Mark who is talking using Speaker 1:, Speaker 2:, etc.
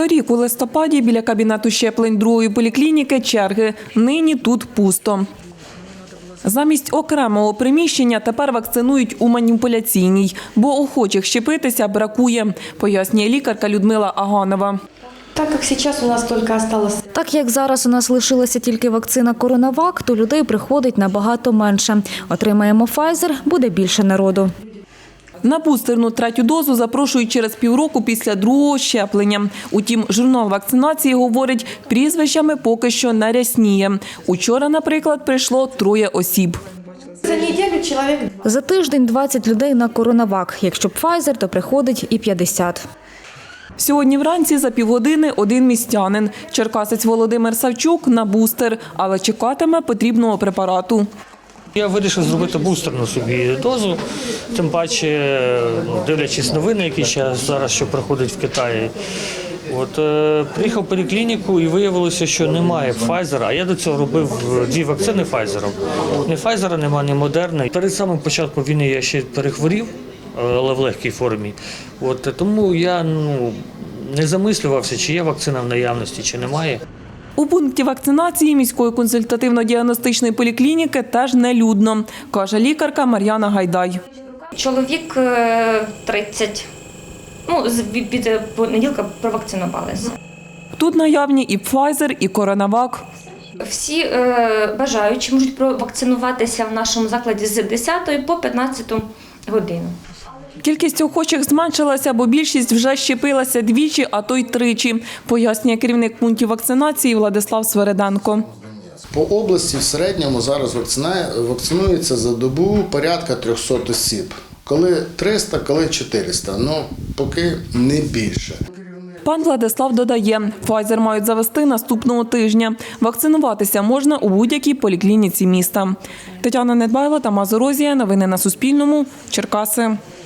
Speaker 1: Торік у листопаді біля кабінету щеплень другої поліклініки черги. Нині тут пусто. Замість окремого приміщення тепер вакцинують у маніпуляційній, бо охочих щепитися бракує, пояснює лікарка Людмила Аганова.
Speaker 2: Так як зараз у нас лишилася тільки вакцина «Коронавак», то людей приходить набагато менше. Отримаємо Pfizer – буде більше народу.
Speaker 1: На бустерну третю дозу запрошують через півроку після другого щеплення. Утім, журнал вакцинації говорить, прізвищами поки що не рясніє. Учора, наприклад, прийшло 3 осіб.
Speaker 2: За тиждень 20 людей на «Коронавак». Якщо Pfizer, то приходить і 50.
Speaker 1: Сьогодні вранці за півгодини один містянин. Черкасець Володимир Савчук на бустер, але чекатиме потрібного препарату.
Speaker 3: Я вирішив зробити бустерну собі дозу, тим паче, дивлячись новини, які зараз що проходять в Китаї. Приїхав в поліклініку і виявилося, що немає Pfizer, а я до цього робив 2 вакцини Pfizer. Ні Pfizer, немає, ні Moderna. Перед самим початком війни я ще перехворів, але в легкій формі. Тому я не замислювався, чи є вакцина в наявності, чи немає.
Speaker 1: У пункті вакцинації міської консультативно-діагностичної поліклініки теж нелюдно, каже лікарка Мар'яна Гайдай.
Speaker 4: Чоловік 30. Від понеділка провакцинувалися.
Speaker 1: Тут наявні і Pfizer, і «Коронавак».
Speaker 4: Всі бажаючі можуть провакцинуватися в нашому закладі з 10 по 15 годину.
Speaker 1: Кількість охочих зменшилася, бо більшість вже щепилася 2, а то й 3, пояснює керівник пунктів вакцинації Владислав Свереденко.
Speaker 5: По області в середньому зараз вакцинується за добу порядка 300 осіб. Коли 300, коли 400, поки не більше.
Speaker 1: Пан Владислав додає, Pfizer мають завести наступного тижня. Вакцинуватися можна у будь-якій поліклініці міста. Тетяна Недбайло, Тамас Орозія. Новини на Суспільному. Черкаси.